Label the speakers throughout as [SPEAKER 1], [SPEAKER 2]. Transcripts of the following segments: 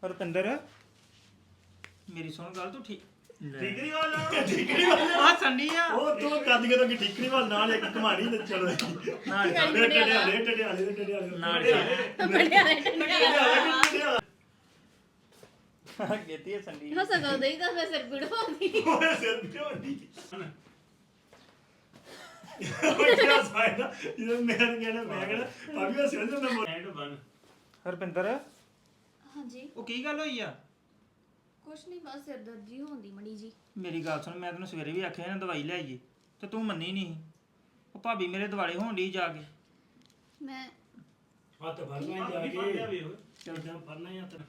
[SPEAKER 1] ਰੁਪਿੰਦਰ ਮੇਰੀ ਸੁਣ ਗੱਲ ਤੂੰ
[SPEAKER 2] ਠੀਕਰੀ ਵਾਲਾ
[SPEAKER 1] ਆ ਸੰਡੀ ਆ
[SPEAKER 2] ਉਹ ਤੂੰ ਕੱਦ ਕੇ ਤਾਂ ਠੀਕਰੀ ਵਾਲਾ ਨਾਲ ਇੱਕ ਕਮਾਣੀ ਤੇ ਚਲੋ
[SPEAKER 1] ਨਾਲ ਗੇਤੀ ਹੈ ਸੰਡੀ
[SPEAKER 3] ਹੋ ਸਕਦਾ ਨਹੀਂ ਤਾਂ ਮੈਂ ਸਿਰ ਪੀੜ ਪਾਉਂਦੀ
[SPEAKER 2] ਓਏ ਸਿਰ ਤੇ ਹੁੰਦੀ ਉਹ ਕਿਹਾ ਸਾਇਦਾ ਜਦੋਂ ਮੈਂ ਕਹਿਣਾ ਭਾਬੀ ਉਹ ਸਿਰ ਤੇ ਮੈਂ ਐਂਡ ਬਨ
[SPEAKER 1] ਰੁਪਿੰਦਰ
[SPEAKER 3] ਹਾਂਜੀ
[SPEAKER 1] ਉਹ ਕੀ ਗੱਲ ਹੋਈ ਆ
[SPEAKER 3] ਕੁਛ ਨਹੀਂ ਬਸ ਸਿਰ ਦਰਦ ਜੀ ਹੁੰਦੀ ਮੜੀ ਜੀ
[SPEAKER 1] ਮੇਰੀ ਗੱਲ ਸੁਣ ਮੈਂ ਤੈਨੂੰ ਸਵੇਰੇ ਵੀ ਆਖਿਆ ਨਾ ਦਵਾਈ ਲੈ ਆਈਏ ਤੇ ਤੂੰ ਮੰਨੀ ਨਹੀਂ ਉਹ ਭਾਬੀ ਮੇਰੇ ਦਿਵਾਲੇ ਹੋਣ ਡਈ ਜਾ ਕੇ
[SPEAKER 3] ਮੈਂ
[SPEAKER 2] ਹੱਥ ਫੜਨਾ ਜਾ ਕੇ ਚੱਲ ਜਾ ਫੜਨਾ ਹੀ ਹੱਥ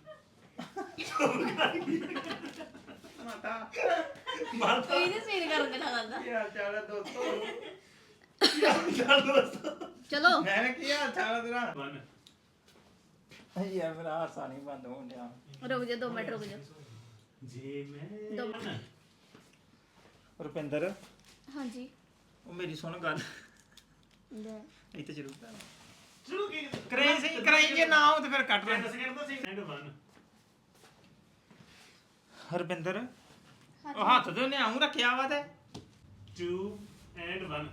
[SPEAKER 2] ਮਾਤਾ
[SPEAKER 3] ਇਹਨੇ ਸਵੇਰ ਕਰਨ ਦੇ ਨਾਲ ਦਾ
[SPEAKER 1] ਕੀ ਹਾਲ ਚਾਲ ਹੈ ਦੋਸਤੋ
[SPEAKER 2] ਚੱਲ ਦੋਸਤ
[SPEAKER 3] ਚਲੋ
[SPEAKER 1] ਮੈਂ ਕੀ ਹਾਲ ਚਾਲ ਹੈ ਤੇਰਾ ਯਾਰ ਮੇਰਾ ਹਾਸਾ ਨਹੀਂ ਬੰਦ ਹੋਣ ਡਿਆ
[SPEAKER 3] ਰੁਕ ਜਾ 2 ਮਿੰਟ ਰੁਕ ਜਾ
[SPEAKER 2] ਜੀ ਮੈਂ
[SPEAKER 1] ਰੁਪਿੰਦਰ
[SPEAKER 3] ਹਾਂਜੀ
[SPEAKER 1] ਉਹ ਮੇਰੀ ਸੁਣ ਗੱਲ
[SPEAKER 3] ਲੈ
[SPEAKER 1] ਇੱਥੇ ਜ਼ਰੂਰ
[SPEAKER 2] ਸ਼ੁਰੂ ਕੀ
[SPEAKER 1] ਕਰਾਈ ਜੇ ਨਾ ਹੋ ਤੇ ਫਿਰ ਕੱਟ ਲੈ
[SPEAKER 2] ਸੈਕਿੰਡ ਤੋਂ ਸੀ ਐਂਡ ਬਨ
[SPEAKER 1] ਹਰਬਿੰਦਰ ਉਹ ਹੱਥ ਤੇ ਉਹਨੇ ਆਉਂ ਰੱਖਿਆ ਵਾ ਤੇ
[SPEAKER 2] 2 ਐਂਡ 1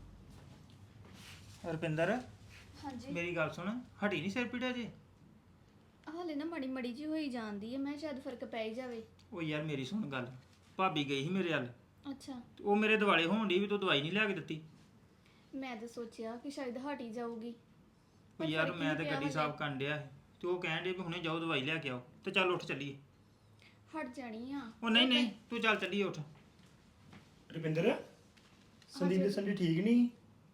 [SPEAKER 1] ਹਰਬਿੰਦਰ
[SPEAKER 3] ਹਾਂਜੀ
[SPEAKER 1] ਮੇਰੀ ਗੱਲ ਸੁਣ ਹਟੀ ਨਹੀਂ ਸਿਰ ਪੀੜਿਆ ਜੇ
[SPEAKER 3] ਹਾਲੇ ਨਾ ਮੜੀ ਮੜੀ ਜੀ ਹੋਈ ਜਾਂਦੀ ਹੈ ਮੈਂ ਸ਼ਾਇਦ ਫਰਕ ਪੈ ਹੀ ਜਾਵੇ
[SPEAKER 1] ਉਹ ਯਾਰ ਮੇਰੀ ਸੁਣ ਗੱਲ ਭਾਬੀ ਗਈ ਸੀ ਮੇਰੇ ਵੱਲ
[SPEAKER 3] ਅੱਛਾ
[SPEAKER 1] ਤੇ ਉਹ ਮੇਰੇ ਦਿਵਾਲੇ ਹੋਣ ਡਈ ਵੀ ਤੂੰ ਦਵਾਈ ਨਹੀਂ ਲਿਆ ਕੇ ਦਿੱਤੀ
[SPEAKER 3] ਮੈਂ ਤਾਂ ਸੋਚਿਆ ਕਿ ਸ਼ਾਇਦ ਹਟ ਹੀ ਜਾਊਗੀ
[SPEAKER 1] ਉਹ ਯਾਰ ਮੈਂ ਤੇ ਗੱਡੀ ਸਾਫ਼ ਕਰਨ ਡਿਆ ਸੀ ਤੇ ਉਹ ਕਹਿਣ ਡੇ ਵੀ ਹੁਣੇ ਜਾਓ ਦਵਾਈ ਲੈ ਕੇ ਆਓ ਤੇ ਚੱਲ ਉੱਠ ਚੱਲੀਏ
[SPEAKER 3] ਹਟ ਜਾਣੀ ਆ
[SPEAKER 1] ਉਹ ਨਹੀਂ ਤੂੰ ਚੱਲ ਚੱਲੀਏ ਉੱਠ
[SPEAKER 2] ਰੁਪਿੰਦਰ ਸੰਦੀਪ ਦੇ ਸੰਡੀ ਠੀਕ ਨਹੀਂ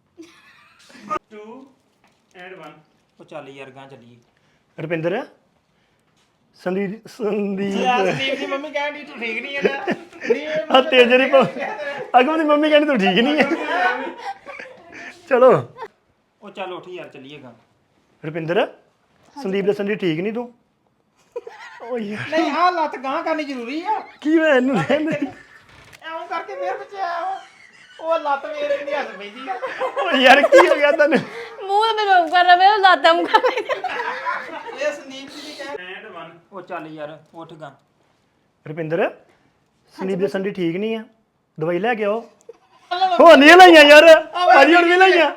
[SPEAKER 2] 2 ਐਂਡ 1
[SPEAKER 1] ਉਹ ਚੱਲ ਯਾਰ ਗਾਂ ਚੱਲੀਏ
[SPEAKER 2] ਰੁਪਿੰਦਰ ਸੰਦੀਪ
[SPEAKER 1] ਸੰਦੀਪ ਦੀ ਮੰਮੀ ਕਹਿਣ ਡਈ ਤੂੰ ਠੀਕ ਨਹੀਂ ਹੈਗਾ
[SPEAKER 2] ਆ ਤੇਜਰੀ ਅਗਮ ਦੀ ਮੰਮੀ ਕਹਿੰਦੀ ਤੂੰ ਠੀਕ ਨਹੀਂ ਹੈ ਚਲੋ
[SPEAKER 1] ਉਹ ਚੱਲ ਉੱਠ ਯਾਰ ਚੱਲੀਏ ਗਾਂ
[SPEAKER 2] ਰੁਪਿੰਦਰ ਸੰਦੀਪ ਦੇ ਸੰਡੀ ਠੀਕ ਨਹੀਂ ਤੂੰ ਓ ਯਾਰ
[SPEAKER 1] ਨਹੀਂ ਆਹ ਲੱਤ ਗਾਂ ਕਰਨੀ ਜ਼ਰੂਰੀ ਆ
[SPEAKER 2] ਕੀ ਹੋਇਆ ਇਹਨੂੰ ਰਹਿੰਦੇ
[SPEAKER 1] ਐਉਂ ਕਰਕੇ ਫੇਰ ਪਿੱਛੇ ਆਇਆ ਉਹ ਲੱਤ ਮੇਰੇ ਦੀ ਹੱਸ ਪੈਂਦੀ ਆ
[SPEAKER 2] ਓ ਯਾਰ ਕੀ ਹੋ ਗਿਆ ਤੈਨੂੰ
[SPEAKER 3] ਮੂੰਹ ਤੇ ਮੈਂ ਕਰ ਰਿਹਾ ਮੈਂ ਲਾਤਾ ਮੂੰਹ ਕਰ
[SPEAKER 1] ਇਹ ਸੰਦੀਪ ਜੀ ਦੀ ਕਹਿ ਐਂਡ 1 ਉਹ ਚੱਲ ਯਾਰ ਉੱਠ ਗਾਂ
[SPEAKER 2] ਰੁਪਿੰਦਰ ਸੰਦੀਪ ਦੇ ਸੰਡੀ ਠੀਕ ਨਹੀਂ ਆ ਦਵਾਈ ਲੈ ਕੇ ਆਓ ਹੋ ਨਹੀਂ ਲਈਆਂ ਯਾਰ ਭਾਜੀ ਹੁਣ ਵੀ ਲਈਆਂ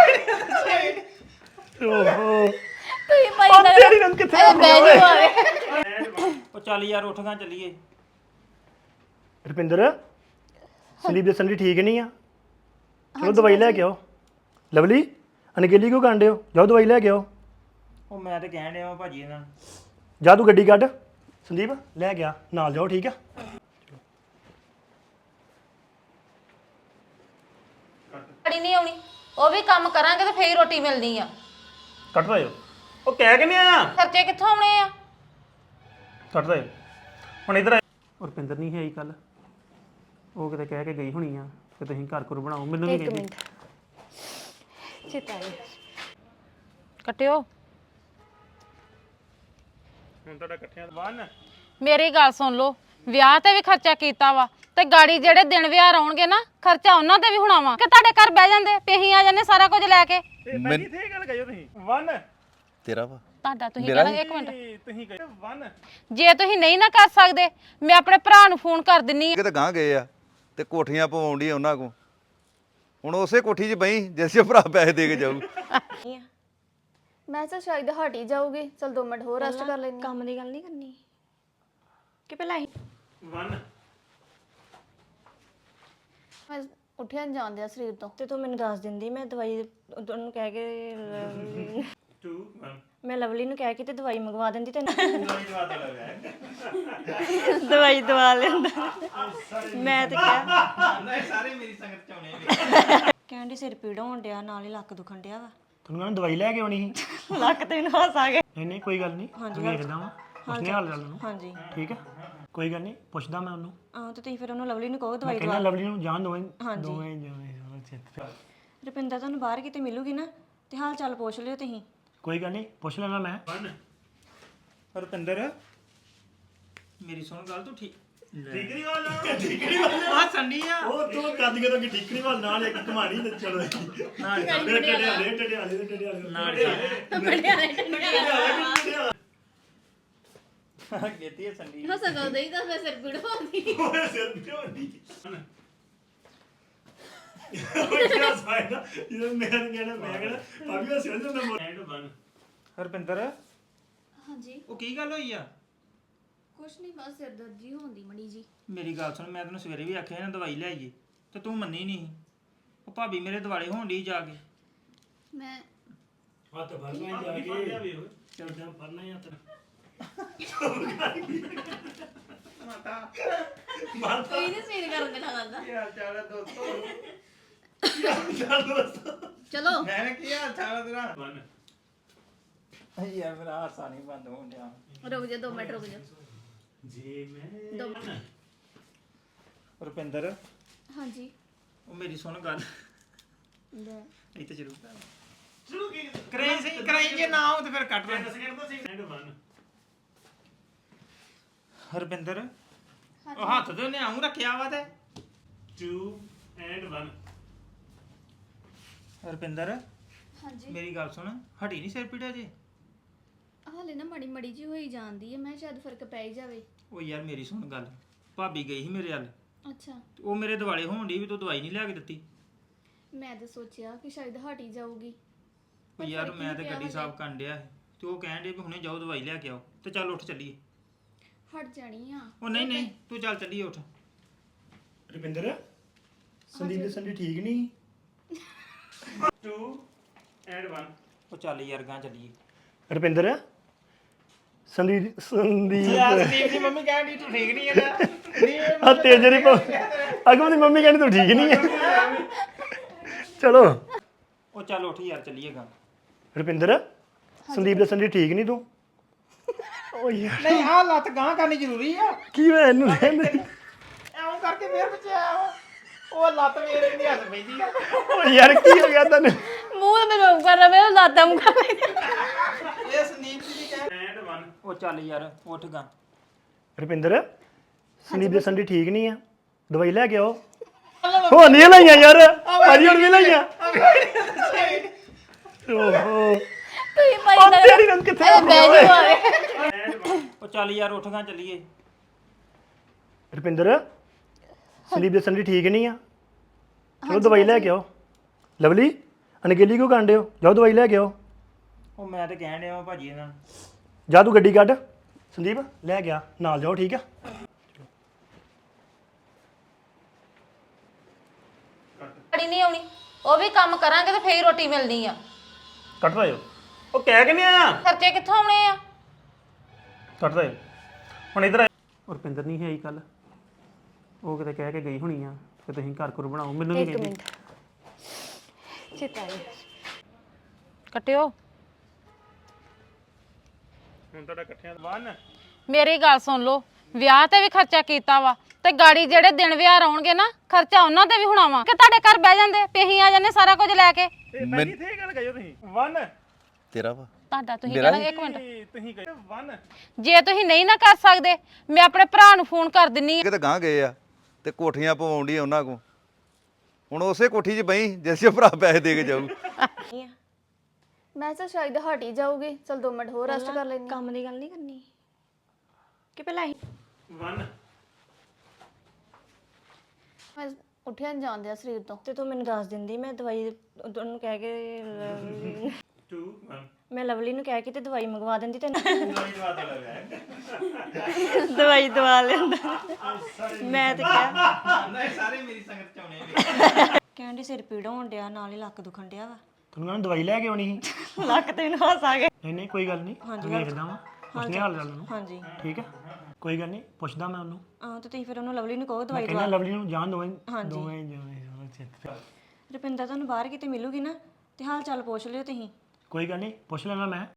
[SPEAKER 2] ਓਹੋ
[SPEAKER 3] ਤੁਸੀਂ ਭਾਈ
[SPEAKER 2] ਉਹ ਤੇਰੀ ਰੰਗ ਕਿੱਥੇ ਆ
[SPEAKER 3] ਬੈਜੂ ਆਵੇ
[SPEAKER 1] ਉਹ ਚੱਲ ਯਾਰ ਉੱਠ ਗਾਂ ਚੱਲੀਏ
[SPEAKER 2] ਰੁਪਿੰਦਰ ਸੰਦੀਪ ਦੇ ਸੰਡੀ ਠੀਕ ਨਹੀਂ ਆ ਚਲੋ ਦਵਾਈ ਲੈ ਕੇ ਆਓ ਲਵਲੀ ਅਨਗੇਲੀ ਕਿਉਂ ਕਾਂਡੇ ਹੋ ਜਾਓ ਦਵਾਈ ਲੈ ਕੇ ਆਓ
[SPEAKER 1] ਉਹ ਮੈਂ ਤੇ ਕਹਿਣ ਡਿਆ ਵਾਂ ਭਾਜੀ ਇਹਨਾਂ ਨੂੰ
[SPEAKER 2] ਜਾ ਤੂੰ ਗੱਡੀ ਕੱਢ ਸੰਦੀਪ ਲੈ ਗਿਆ ਨਾਲ ਜਾਓ ਠੀਕ ਆ
[SPEAKER 4] ਗਾੜੀ ਨਹੀਂ ਆਉਣੀ ਉਹ ਵੀ ਕੰਮ ਕਰਾਂਗੇ ਤੇ ਫੇਰ ਹੀ ਰੋਟੀ ਮਿਲਣੀ ਆ
[SPEAKER 2] ਕੱਟ ਦਿਓ ਉਹ ਕਹਿ ਕੇ ਨਹੀਂ ਆਇਆ
[SPEAKER 4] ਖਰਚੇ ਕਿੱਥੋਂ ਆਉਣੇ ਆ
[SPEAKER 2] ਕੱਟ ਦਿਓ ਹੁਣ ਇਧਰ ਰੁਪਿੰਦਰ ਨਹੀਂ ਹੈ ਕੱਲ ਉਹ ਕਿਤੇ ਕਹਿ ਕੇ ਗਈ ਹੋਣੀ ਆ ਕਿ ਤੁਸੀਂ ਘਰ ਘਰ ਬਣਾਓ ਮੈਨੂੰ ਨਹੀਂ ਕਹਿੰਦੀ
[SPEAKER 3] ਚਿਤਾਈ
[SPEAKER 4] ਕੱਟਿਓ
[SPEAKER 2] ਹੁਣ ਤੁਹਾਡਾ ਇਕੱਠਿਆਂ ਦਾ 1
[SPEAKER 4] ਮੇਰੀ ਗੱਲ ਸੁਣ ਲਓ ਵਿਆਹ ਤੇ ਵੀ ਖਰਚਾ ਕੀਤਾ ਵਾ ਤੇ ਗਾੜੀ ਜਿਹੜੇ ਦਿਨ ਵਿਆਹ ਆਉਣਗੇ ਨਾ ਖਰਚਾ ਉਹਨਾਂ ਤੇ ਵੀ ਹੋਣਾ ਵਾ ਕਿ ਤੁਹਾਡੇ ਘਰ ਬਹਿ ਜਾਂਦੇ ਤੇ ਅਸੀਂ ਆ ਜਾਂਦੇ ਸਾਰਾ ਕੁਝ ਲੈ ਕੇ
[SPEAKER 2] ਪਹਿਲੀ ਇੱਥੇ ਗੱਲ ਕਹੀ ਤੁਸੀਂ 1
[SPEAKER 5] ਤੇਰਾ ਵਾ
[SPEAKER 4] ਤੁਹਾਡਾ ਤੁਸੀਂ ਕਹਿਣਾ ਇੱਕ ਮਿੰਟ
[SPEAKER 2] ਤੁਸੀਂ ਕਹੀ 1
[SPEAKER 4] ਜੇ ਤੁਸੀਂ ਨਹੀਂ ਨਾ ਕਰ ਸਕਦੇ ਮੈਂ ਆਪਣੇ ਭਰਾ ਨੂੰ ਫੋਨ ਕਰ ਦਿੰਨੀ ਆ
[SPEAKER 5] ਕਿਤੇ ਗਾਂ ਗਏ ਆ ਤੇ ਕੋਠੀਆਂ ਪਵਾਉਂਦੀ ਉਹਨਾਂ ਕੋ ਹੁਣ ਉਸੇ ਕੋਠੀ 'ਚ ਬਈ ਜਿਸ 'ਚ ਭਰਾ ਪੈਸੇ ਦੇ ਕੇ ਜਾਊ
[SPEAKER 3] ਮੈਂ ਤਾਂ ਸ਼ਾਇਦ ਹਟ ਹੀ ਜਾਊਗੀ ਚਲ 2 ਮਿੰਟ ਹੋਰ ਰੈਸਟ ਕਰ ਲੈਣੀ
[SPEAKER 6] ਕੰਮ ਦੀ ਗੱਲ ਨਹੀਂ ਕਰਨੀ ਕਿ ਪਹਿਲਾਂ ਹੀ
[SPEAKER 2] 1
[SPEAKER 3] ਮੈਂ ਉੱਠਿਆ ਨਹੀਂ ਜਾਂਦਿਆ ਸਰੀਰ ਤੋਂ
[SPEAKER 6] ਤੇ ਤੂੰ ਮੈਨੂੰ ਦੱਸ ਦਿੰਦੀ ਮੈਂ ਦਵਾਈ ਉਹਨੂੰ ਕਹਿ ਕੇ
[SPEAKER 2] 2 1
[SPEAKER 6] ਮੈਂ ਲਵਲੀ ਨੂੰ ਕਹਿ ਕੇ ਤੇ ਦਵਾਈ ਮੰਗਵਾ ਦਿੰਦੀ ਤੈਨੂੰ ਦਵਾਈ ਦਵਾ ਲੈਂਦਾ ਮੈਂ ਤੇ ਕਿਹਾ
[SPEAKER 1] ਸਾਰੇ ਮੇਰੀ ਸੰਗਤ ਚ ਆਉਣੇ ਨੇ
[SPEAKER 6] ਕਹਿੰਦੀ ਸਿਰ ਪੀੜ ਹੋਣ ਡਿਆ ਨਾਲ ਹੀ ਲੱਕ ਦੁਖਣ ਡਿਆ ਵਾ
[SPEAKER 2] ਤੁਹਾਨੂੰ ਕਹਿੰਦਾ ਦਵਾਈ ਲੈ ਕੇ ਆਉਣੀ ਸੀ
[SPEAKER 6] ਲੱਕ ਤੇ ਮੈਨੂੰ ਹੱਸ ਆ ਗਿਆ
[SPEAKER 2] ਨਹੀਂ ਨਹੀਂ ਕੋਈ ਗੱਲ ਨਹੀਂ ਵੇਖਦਾ ਵਾਂ ਪੁੱਛਨੇ ਹਾਲ ਚਾਲ ਨੂੰ
[SPEAKER 6] ਹਾਂਜੀ
[SPEAKER 2] ਠੀਕ ਹੈ ਕੋਈ ਗੱਲ ਨਹੀਂ ਪੁੱਛਦਾ ਮੈਂ ਉਹਨੂੰ
[SPEAKER 6] ਤੇ ਤੁਸੀਂ ਫਿਰ ਉਹਨੂੰ ਲਵਲੀ ਨੂੰ ਕਹੋ ਦਵਾਈ
[SPEAKER 2] ਕਹਿੰਦਾ ਲਵਲੀ ਨੂੰ ਜਾਣ ਦੋਵੇਂ
[SPEAKER 6] ਹਾਂਜੀ।
[SPEAKER 2] ਦੋਵੇਂ ਜਾਣੇ
[SPEAKER 6] ਰੁਪਿੰਦਰ ਤੁਹਾਨੂੰ ਬਾਹਰ ਕਿਤੇ ਮਿਲੂਗੀ ਨਾ ਤੇ ਹਾਲ ਚਾਲ ਪੁੱਛ ਲਿਓ ਤੁਸੀਂ
[SPEAKER 2] ਕੋਈ ਗੱਲ ਨਹੀਂ ਪੁੱਛ ਲੈਣਾ ਮੈਂ
[SPEAKER 1] ਰੁਪਿੰਦਰ ਮੇਰੀ ਸੁਣ ਗੱਲ ਤੂੰ
[SPEAKER 2] ਠੀਕਰੀ ਵਾਲਾ
[SPEAKER 1] ਆ ਸੰਡੀ ਆ
[SPEAKER 2] ਉਹ ਤੂੰ ਕੱਦ ਕੇ ਤਾਂ ਠੀਕਰੀ ਵਾਲਾ ਨਾਲ ਇੱਕ ਕਮਾਣੀ ਤੇ ਚਲੋ
[SPEAKER 1] ਨਾਲ
[SPEAKER 2] ਟੇਡੇ
[SPEAKER 1] ਨਾਲ ਗੇਤੀ ਹੈ ਸੰਦੀ
[SPEAKER 3] ਹੋ ਸਕਦਾ ਹੀ ਤਾਂ ਮੈਂ ਸਿਰ ਪੀੜ ਹੁੰਦੀ
[SPEAKER 1] ਹਰਪਿੰਦਰ
[SPEAKER 3] ਹਾਂਜੀ
[SPEAKER 1] ਉਹ ਕੀ ਗੱਲ ਹੋਈ ਆ
[SPEAKER 3] ਕੁਛ ਨਹੀਂ ਬਸ ਸਿਰ ਦਰਦ ਜੀ ਹੁੰਦੀ ਮੜੀ ਜੀ
[SPEAKER 1] ਮੇਰੀ ਗੱਲ ਸੁਣ ਮੈਂ ਤੈਨੂੰ ਸਵੇਰੇ ਵੀ ਆਖਿਆ ਨਾ ਦਵਾਈ ਲੈ ਆਈਏ ਤੇ ਤੂੰ ਮੰਨੀ ਨਹੀਂ ਉਹ ਭਾਬੀ ਮੇਰੇ ਦਿਵਾਲੇ ਹੋਣ ਡਈ ਜਾ ਕੇ
[SPEAKER 3] ਮੈਂ ਕੋਈ ਨਹੀਂ ਸਵੇਰ ਕਰਨ ਦੇਣਾ ਲੱਗਦਾ
[SPEAKER 1] ਕੀ ਹਾਲ ਚਾਲ ਹੈ ਦੋਸਤੋ
[SPEAKER 3] ਚਲੋ
[SPEAKER 1] ਮੈਂ ਕੀ ਹਾਲ ਚਾਲ ਹੈ ਤੇਰਾ ਯਾਰ ਮੇਰਾ ਹਾਸਾ ਨਹੀਂ ਬੰਦ ਹੋਣ ਡਿਆ
[SPEAKER 3] ਰੁਕ ਜਾ 2 ਮਿੰਟ ਰੁਕ ਜਾ
[SPEAKER 1] ਰੁਪਿੰਦਰ
[SPEAKER 3] ਹਾਂਜੀ
[SPEAKER 1] ਉਹ ਮੇਰੀ ਸੁਣ ਗੱਲ
[SPEAKER 3] ਲੈ
[SPEAKER 1] ਇੱਥੇ ਸ਼ੁਰੂ ਕਰਾਈ ਜੇ ਨਾ ਹੋ ਤੇ ਫਿਰ ਕੱਟ ਲੈ ਹਰਪਿੰਦਰ ਉਹ ਹੱਥ ਤੇ ਉਹਨੇ ਆਉਂ ਰੱਖਿਆ ਵਾ ਤੇ
[SPEAKER 2] 2 ਐਂਡ 1
[SPEAKER 1] ਹਰਪਿੰਦਰ
[SPEAKER 3] ਹਾਂਜੀ
[SPEAKER 1] ਮੇਰੀ ਗੱਲ ਸੁਣ ਹਟੀ ਨਹੀਂ ਸਿਰ ਪੀੜਿਆ ਜੇ
[SPEAKER 3] ਹਾਲੇ ਨਾ ਮੜੀ ਮੜੀ ਜੀ ਹੋਈ ਜਾਂਦੀ ਹੈ ਮੈਂ ਸ਼ਾਇਦ ਫਰਕ ਪੈ ਹੀ ਜਾਵੇ
[SPEAKER 1] ਉਹ ਯਾਰ ਮੇਰੀ ਸੁਣ ਗੱਲ ਭਾਬੀ ਗਈ ਸੀ ਮੇਰੇ ਵੱਲ
[SPEAKER 3] ਅੱਛਾ
[SPEAKER 1] ਤੇ ਉਹ ਮੇਰੇ ਦਿਵਾਲੇ ਹੋਣ ਡਈ ਵੀ ਤੂੰ ਦਵਾਈ ਨਹੀਂ ਲਿਆ ਕੇ ਦਿੱਤੀ
[SPEAKER 3] ਮੈਂ ਤਾਂ ਸੋਚਿਆ ਕਿ ਸ਼ਾਇਦ ਹਟ ਹੀ ਜਾਊਗੀ
[SPEAKER 1] ਉਹ ਯਾਰ ਮੈਂ ਤੇ ਗੱਡੀ ਸਾਫ਼ ਕਰਨ ਡਿਆ ਸੀ ਤੇ ਉਹ ਕਹਿਣ ਡੇ ਵੀ ਹੁਣੇ ਜਾਓ ਦਵਾਈ ਲੈ ਕੇ ਆਓ ਤੇ ਚੱਲ ਉੱਠ ਚੱਲੀਏ
[SPEAKER 3] ਹਟ ਜਾਣੀ ਆ
[SPEAKER 1] ਉਹ ਨਹੀਂ ਨਹੀਂ ਤੂੰ ਚੱਲ ਚੱਲੀਏ ਉੱਠ
[SPEAKER 2] ਰੁਪਿੰਦਰ ਸੰਦੀਪ ਦੇ ਸੰਦੀ ਠੀਕ ਨਹੀਂ 2 ਐਂਡ 1
[SPEAKER 1] ਉਹ ਚੱਲ ਯਾਰ ਗਾਂ ਚੱਲੀਏ
[SPEAKER 2] ਰੁਪਿੰਦਰ ਸੰਦੀਪ
[SPEAKER 1] ਸੰਦੀਪ ਦੀ ਮੰਮੀ ਕਹਿਣ ਡਈ ਤੂੰ ਠੀਕ ਨਹੀਂ ਹੈਗਾ
[SPEAKER 2] ਆ ਤੇਜਰੀ ਅਗਮ ਦੀ ਮੰਮੀ ਕਹਿੰਦੀ ਤੂੰ ਠੀਕ ਨਹੀਂ ਹੈ ਚਲੋ
[SPEAKER 1] ਉਹ ਚੱਲ ਉੱਠ ਯਾਰ ਚੱਲੀਏ ਗਾਂ
[SPEAKER 2] ਰੁਪਿੰਦਰ ਸੰਦੀਪ ਦੇ ਸੰਦੀ ਠੀਕ ਨਹੀਂ ਤੂੰ ਓ ਯਾਰ
[SPEAKER 1] ਨਹੀਂ ਆਹ ਲੱਤ ਗਾਂ ਕਰਨੀ ਜ਼ਰੂਰੀ ਆ
[SPEAKER 2] ਕੀ ਹੋਇਆ ਇਹਨੂੰ ਕਹਿੰਦੇ
[SPEAKER 1] ਐਉਂ ਕਰਕੇ ਫੇਰ ਬਚਿਆ ਉਹ ਲੱਤ ਮੇਰੇ ਨਹੀਂ ਹੱਥ ਪੈਂਦੀ ਆ
[SPEAKER 2] ਓ ਯਾਰ ਕੀ ਹੋ ਗਿਆ ਤੈਨੂੰ
[SPEAKER 3] ਮੂੰਹ ਤੇ ਮੈਂ ਕਰ ਰਿਹਾ ਮੇਰਾ ਲਾਦਾ ਮੂੰਹ ਕਰ
[SPEAKER 1] ਇਹ ਸੰਦੀਪ ਦੀ ਕਹਿ
[SPEAKER 2] ਐਂਡ 1
[SPEAKER 1] ਉਹ ਚੱਲ ਯਾਰ ਉੱਠ ਗਾਂ
[SPEAKER 2] ਰੁਪਿੰਦਰ ਸੰਦੀਪ ਦੇ ਸੰਦੀ ਠੀਕ ਨਹੀਂ ਆ ਦਵਾਈ ਲੈ ਕੇ ਆਓ ਹੋ ਨਹੀਂ ਲਈਆਂ ਯਾਰ ਭਾਜੀ ਹੁਣ ਵੀ ਲਈਆਂ ਓਹੋ
[SPEAKER 3] ਤੁਸੀਂ ਭਾਈ
[SPEAKER 2] ਉਹ ਤੇਰੀ ਰੰਗ ਕਿੱਥੇ ਆ
[SPEAKER 3] ਬਹਿ ਜਾਓ ਆਵੇ
[SPEAKER 1] ਉਹ ਚੱਲ ਯਾਰ ਉੱਠ ਗਾਂ ਚੱਲੀਏ
[SPEAKER 2] ਰੁਪਿੰਦਰ ਸੰਦੀਪ ਦੇ ਸੰਦੀ ਠੀਕ ਨਹੀਂ ਆ ਚਲੋ ਦਵਾਈ ਲੈ ਕੇ ਆਓ ਲਵਲੀ ਅਨਗੇਲੀ ਕਿਉਂ ਕਾਂਡੇ ਹੋ ਜਾਓ ਦਵਾਈ ਲੈ ਕੇ ਆਓ
[SPEAKER 1] ਉਹ ਮੈਂ ਤੇ ਕਹਿਣ ਡਿਆ ਵਾਂ ਭਾਜੀ ਇਹਨਾਂ ਨੂੰ
[SPEAKER 2] ਜਾ ਤੂੰ ਗੱਡੀ ਕੱਢ ਸੰਦੀਪ ਲੈ ਗਿਆ ਨਾਲ ਜਾਓ ਠੀਕ ਆ
[SPEAKER 4] ਗਾੜੀ ਨਹੀਂ ਆਉਣੀ ਉਹ ਵੀ ਕੰਮ ਕਰਾਂਗੇ ਤੇ ਫੇਰ ਹੀ ਰੋਟੀ ਮਿਲਣੀ ਆ
[SPEAKER 2] ਕੱਟ ਰਹੇ ਹੋ ਉਹ ਕਹਿ ਕੇ ਨਹੀਂ ਆਇਆ
[SPEAKER 4] ਖਰਚੇ ਕਿੱਥੋਂ ਆਉਣੇ ਆ
[SPEAKER 2] ਕੱਟ ਰਹੇ ਹੁਣ ਇਧਰ ਰੁਪਿੰਦਰ ਨਹੀਂ ਹੈ ਕੱਲ ਉਹ ਕਿਤੇ ਕਹਿ ਕੇ ਗਈ ਹੋਣੀ ਆ ਕਿ ਤੁਸੀਂ ਘਰ ਘਰ ਬਣਾਓ ਮੈਨੂੰ ਵੀ ਕਹਿੰਦੀ
[SPEAKER 3] ਚਿਤਾਈ
[SPEAKER 4] ਕੱਟਿਓ
[SPEAKER 2] ਹੁਣ ਤੁਹਾਡਾ ਇਕੱਠਿਆਂ 1
[SPEAKER 4] ਮੇਰੀ ਗੱਲ ਸੁਣ ਲਓ ਵਿਆਹ ਤੇ ਵੀ ਖਰਚਾ ਕੀਤਾ ਵਾ ਤੇ ਗਾੜੀ ਜਿਹੜੇ ਦਿਨ ਵਿਆਹ ਆਉਣਗੇ ਨਾ ਖਰਚਾ ਉਹਨਾਂ ਤੇ ਵੀ ਹੋਣਾ ਵਾ ਕਿ ਤੁਹਾਡੇ ਘਰ ਬਹਿ ਜਾਂਦੇ ਤੇ ਅਸੀਂ ਆ ਜਾਂਦੇ ਸਾਰਾ ਕੁਝ ਲੈ ਕੇ
[SPEAKER 2] ਇੱਥੇ ਗੱਲ ਕਹੋ ਤੁਸੀਂ 1
[SPEAKER 5] ਤੇਰਾ ਵਾ
[SPEAKER 4] ਤੁਹਾਡਾ ਤੁਸੀਂ ਕਹਿਣਾ ਇੱਕ ਮਿੰਟ
[SPEAKER 2] ਤੁਸੀਂ ਕਹੋ 1
[SPEAKER 4] ਜੇ ਤੁਸੀਂ ਨਹੀਂ ਨਾ ਕਰ ਸਕਦੇ ਮੈਂ ਆਪਣੇ ਭਰਾ ਨੂੰ ਫੋਨ ਕਰ ਦਿੰਨੀ ਆ
[SPEAKER 5] ਕਿਤੇ ਗਾਂ ਗਏ ਆ ਤੇ ਕੋਠੀਆਂ ਪਵਾਉਂਦੀ ਉਹਨਾਂ ਕੋ ਹੁਣ ਉਸੇ ਕੋਠੀ 'ਚ ਬਈ ਜਿਸੇ ਭਰਾ ਪੈਸੇ ਦੇ ਕੇ ਜਾਊ
[SPEAKER 3] ਮੈਂ ਤਾਂ ਸ਼ਾਇਦ ਹਟ ਹੀ ਜਾਊਗੀ ਚਲ 2 ਮਿੰਟ ਹੋਰ ਰੈਸਟ ਕਰ ਲੈਣੀ
[SPEAKER 6] ਕੰਮ ਦੀ ਗੱਲ ਨਹੀਂ ਕਰਨੀ ਕਿ ਪਹਿਲਾਂ ਹੀ
[SPEAKER 2] 1
[SPEAKER 3] ਮੈਂ ਉੱਠਿਆ ਨਹੀਂ ਜਾਂਦਿਆ ਸਰੀਰ ਤੋਂ
[SPEAKER 6] ਤੇ ਤੂੰ ਮੈਨੂੰ ਦੱਸ ਦਿੰਦੀ ਮੈਂ ਦਵਾਈ ਉਹਨੂੰ ਕਹਿ ਕੇ
[SPEAKER 2] 2 1
[SPEAKER 6] ਮੈਂ ਲਵਲੀ ਨੂੰ ਕਹਿ ਕੇ ਤੇ ਦਵਾਈ ਮੰਗਵਾ ਦਿੰਦੀ ਤੇ ਦਵਾਈ ਦਵਾ ਲੈਂਦਾ ਮੈਂ ਤੇ ਕਿਹਾ
[SPEAKER 1] ਨਹੀਂ ਸਾਰੇ ਮੇਰੀ ਸੰਗਤ ਚ ਆਉਣੇ ਨੇ
[SPEAKER 6] ਕਹਿੰਦੀ ਸਿਰ ਪੀੜ ਹੋਣ ਡਿਆ ਨਾਲ ਹੀ ਲੱਕ ਦੁਖਣ ਡਿਆ ਵਾ
[SPEAKER 2] ਤੁਹਾਨੂੰ ਕਹਿੰਦਾ ਦਵਾਈ ਲੈ ਕੇ ਆਉਣੀ ਸੀ
[SPEAKER 6] ਲੱਕ ਤੇ ਮੈਨੂੰ ਹੱਸ ਆ ਗਿਆ
[SPEAKER 2] ਨਹੀਂ ਨਹੀਂ ਕੋਈ ਗੱਲ ਨਹੀਂ ਵੇਖਦਾ ਵਾਂ ਪੁੱਛਨੇ ਹਾਲ ਚਾਲ ਨੂੰ
[SPEAKER 6] ਹਾਂਜੀ
[SPEAKER 2] ਠੀਕ ਹੈ ਕੋਈ ਗੱਲ ਨਹੀਂ ਪੁੱਛਦਾ ਮੈਂ ਉਹਨੂੰ
[SPEAKER 6] ਤੇ ਤੁਸੀਂ ਫਿਰ ਉਹਨੂੰ ਲਵਲੀ ਨੂੰ ਕਹੋ ਦਵਾਈ
[SPEAKER 2] ਕਹਿੰਦਾ ਲਵਲੀ ਨੂੰ ਜਾਣ ਦੋਵੇਂ
[SPEAKER 6] ਹਾਂਜੀ।
[SPEAKER 2] ਦੋਵੇਂ
[SPEAKER 6] ਰੁਪਿੰਦਰ ਤੁਹਾਨੂੰ ਬਾਹਰ ਕਿਤੇ ਮਿਲੂਗੀ ਨਾ ਤੇ ਹਾਲ ਚਾਲ ਪੁੱਛ ਲਿਓ ਤੁਸੀਂ
[SPEAKER 2] ਕੋਈ ਗੱਲ ਨਹੀਂ ਪੁੱਛ ਲੈਣਾ ਮੈਂ